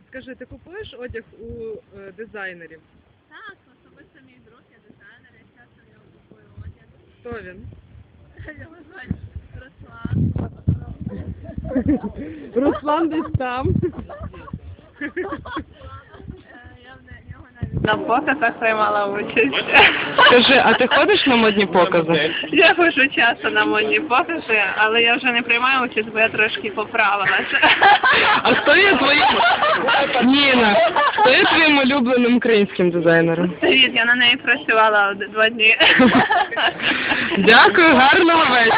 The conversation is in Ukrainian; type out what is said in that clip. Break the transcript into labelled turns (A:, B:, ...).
A: Скажи, ти купуєш одяг у дизайнерів?
B: Так, особисто мій друг, я дизайнер, я часто в нього купую одяг.
A: Хто він?
B: Його звати Руслан.
A: Руслан десь там.
B: Я в нього навіть на показах приймала участь.
A: Скажи, а ти ходиш на модні покази?
B: Я ходжу часто на модні покази, але я вже не приймаю участь, бо я трошки поправилася.
A: А хто є твоїм... Ніна, хто є твоїм улюбленим українським дизайнером?
B: Привіт, я на неї працювала 2 дні.
A: Дякую, гарного вечора.